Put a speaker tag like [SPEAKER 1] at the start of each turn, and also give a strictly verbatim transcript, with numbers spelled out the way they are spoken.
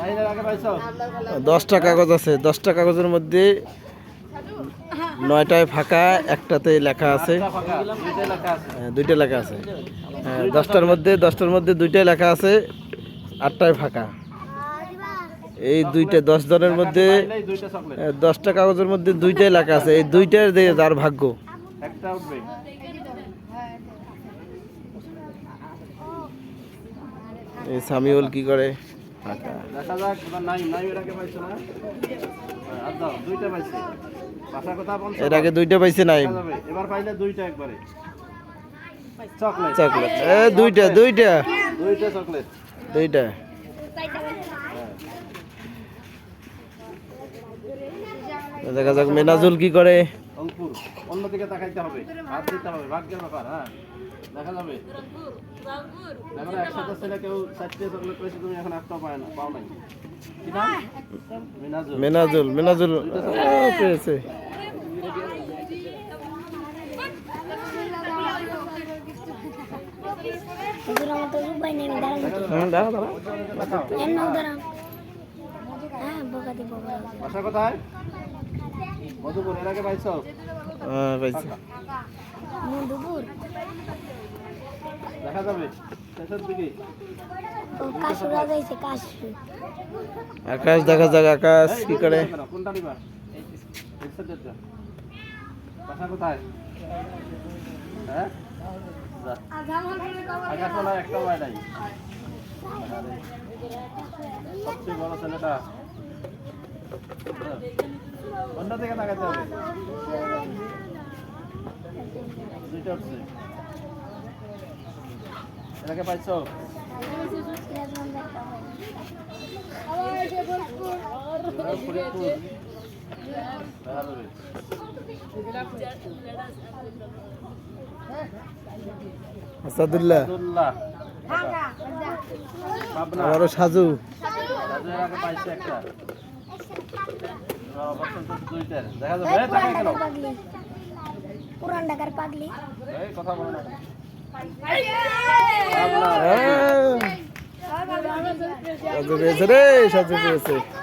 [SPEAKER 1] দশটা কাগজ আছে, দশটা কাগজের মধ্যে নয়টায় ফাঁকা, একটাতে লেখা আছে, দুইটা লেখা আছে। হ্যাঁ, দশটার মধ্যে দশটার মধ্যে দুইটাই লেখা আছে, আটটায় ফাঁকা। এই দুইটা দশ জনের মধ্যে দশটা কাগজের মধ্যে দুইটাই লেখা আছে, এই দুইটার দিয়ে যার ভাগ্য। এই সামিউল কি করে? এর আগে দুইটা পাইছে নাই,
[SPEAKER 2] এবার পাইলে দুইটা একবারে
[SPEAKER 1] চকলেট। এ দুইটা দুইটা
[SPEAKER 2] দুইটা চকলেট
[SPEAKER 1] দুইটা। দেখা যাক মেনাজুল কি করে।
[SPEAKER 2] অঙ্কুর অন্যদিকে তাকাইতে হবে, হাত দিতে হবে, ভাগ্যের ব্যাপার। হ্যাঁ, দেখা যাবে। আমরা একসাথে ছেলে কেউ চারটে চকলেট পেয়েছে, তুমি এখন একটা পায় না, পাও নাই। কি নাম? মেনাজুল।
[SPEAKER 1] মেনাজুল মেনাজুল পেয়েছে।
[SPEAKER 2] বাসা কোথায়? মধুপুর। এর আগে পাইছো?
[SPEAKER 1] হ্যাঁ পাইছি।
[SPEAKER 2] দেখা যাবে শেষের দিকে।
[SPEAKER 1] আকাশ দেখা যাক, আকাশ কি করে।
[SPEAKER 2] কোনটা নিবা? বাসা কোথায়? হ্যাঁ, আকাশ বলা একটা হয় নাই। সবচেয়ে বড় ছেলেটা অন্য দিকে তাকাতে হবে। দুইটা উঠছে। এটাকে পাইছো?
[SPEAKER 1] আসাদুল্লাহ, আবারও সাজু।
[SPEAKER 2] পাইছে একটা। দেখা যাবে।
[SPEAKER 3] পুরান ঢাকার পাগলি।
[SPEAKER 2] এই কথা বলো না।
[SPEAKER 1] সাজু পেয়েছে রে, সাজু পেয়েছে।